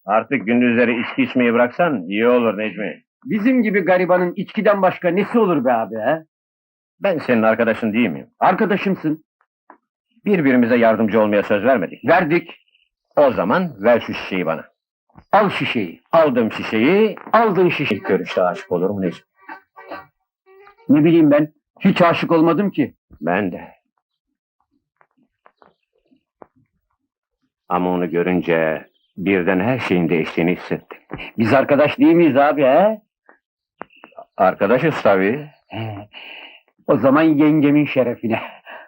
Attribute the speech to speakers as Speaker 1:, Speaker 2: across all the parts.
Speaker 1: Artık gündüzleri içki içmeyi bıraksan iyi olur Necmi.
Speaker 2: Bizim gibi garibanın içkiden başka nesi olur be abi he?
Speaker 1: Ben senin arkadaşın değil miyim?
Speaker 2: Arkadaşımsın.
Speaker 1: Birbirimize yardımcı olmaya söz vermedik.
Speaker 2: Verdik.
Speaker 1: O zaman ver şu şişeyi bana.
Speaker 2: Al şişeyi.
Speaker 1: Aldım şişeyi,
Speaker 2: Aldın şişeyi.
Speaker 1: ilk görüşte aşık olur mu Necmi?
Speaker 2: Ne bileyim ben. Hiç aşık olmadım ki.
Speaker 1: Ben de. Ama onu görünce birden her şeyin değiştiğini hissettim.
Speaker 2: Biz arkadaş değil miyiz abi he?
Speaker 1: Arkadaşız tabii.
Speaker 2: He. O zaman yengemin şerefine.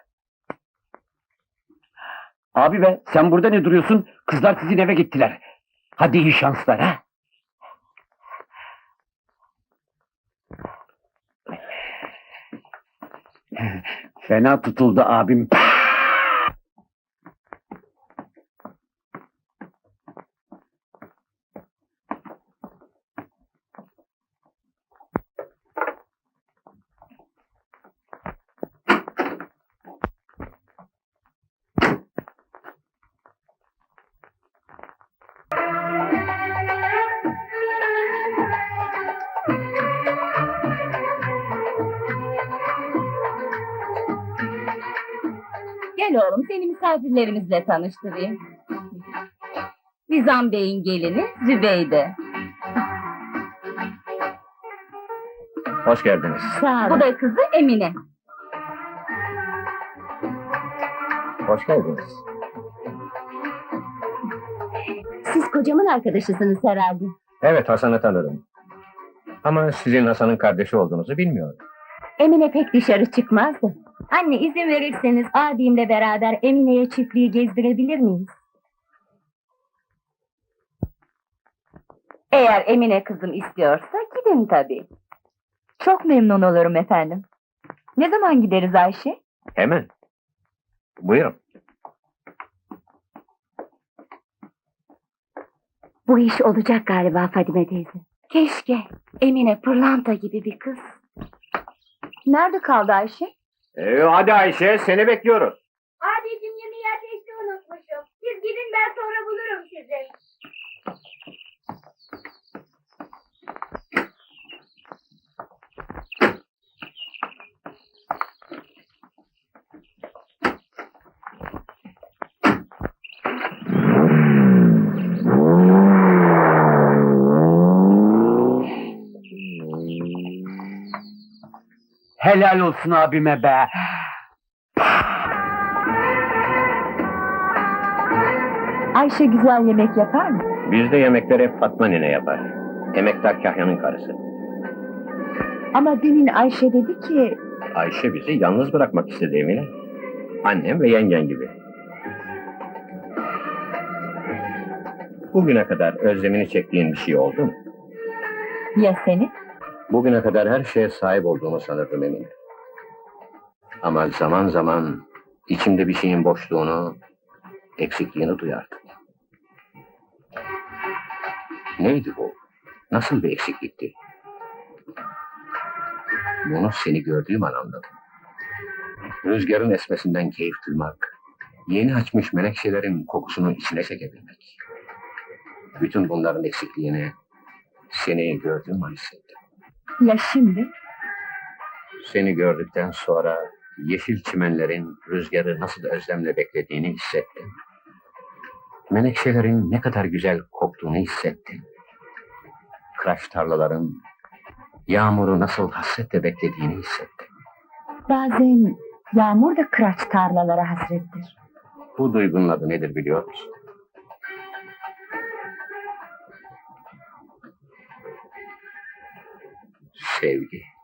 Speaker 2: Abi be sen burada ne duruyorsun? Kızlar sizin eve gittiler. Hadi iyi şanslar ha. Fena tutuldu abim.
Speaker 3: Gel oğlum, seni misafirlerimizle tanıştırayım. Nizam Bey'in gelini Zübeyde.
Speaker 1: Hoş geldiniz.
Speaker 3: Sağ olun. Bu da kızı Emine.
Speaker 1: Hoş geldiniz.
Speaker 3: Siz kocamın arkadaşısınız herhalde.
Speaker 1: Evet, Hasan'ı tanırım. Ama sizin Hasan'ın kardeşi olduğunuzu bilmiyorum.
Speaker 3: Emine pek dışarı çıkmazdı. Anne izin verirseniz abimle beraber Emine'ye çiftliği gezdirebilir miyiz? Eğer Emine kızım istiyorsa gidin tabii. Çok memnun olurum efendim. Ne zaman gideriz Ayşe?
Speaker 1: Hemen. Buyurun.
Speaker 3: Bu iş olacak galiba Fadime teyze. Keşke. Emine pırlanta gibi bir kız. Nerede kaldı Ayşe?
Speaker 1: Hadi Ayşe, seni bekliyoruz.
Speaker 4: Abicim yemeği ateşte unutmuşum. Siz gidin ben sonra bulurum sizi.
Speaker 2: Helal olsun abime be.
Speaker 3: Ayşe güzel yemek yapar mı?
Speaker 1: Bizde yemekleri hep Fatma nene yapar. Emektar Kahya'nın karısı.
Speaker 3: Ama demin Ayşe dedi ki...
Speaker 1: Ayşe bizi yalnız bırakmak istedi Emine. Annem ve yengen gibi. Bugüne kadar özlemini çektiğin bir şey oldu mu?
Speaker 3: Ya seni?
Speaker 1: Bugüne kadar her şeye sahip olduğumu sanırdım Emine. Ama zaman zaman içimde bir şeyin boşluğunu, eksikliğini duyardım. Neydi bu? Nasıl bir eksiklikti? Bunu seni gördüğüm an anladım. Rüzgarın esmesinden keyif duymak, yeni açmış menekşelerin kokusunu içine çekebilmek. Bütün bunların eksikliğini seni gördüğüm an hissettim.
Speaker 3: Ya şimdi?
Speaker 1: Seni gördükten sonra yeşil çimenlerin rüzgarı nasıl özlemle beklediğini hissettim. Menekşelerin ne kadar güzel koktuğunu hissettim. Kıraç tarlaların yağmuru nasıl hasretle beklediğini hissettim.
Speaker 3: Bazen yağmur da kıraç tarlalara hasrettir.
Speaker 1: Bu duygunun adı nedir biliyor musun? Sevgi.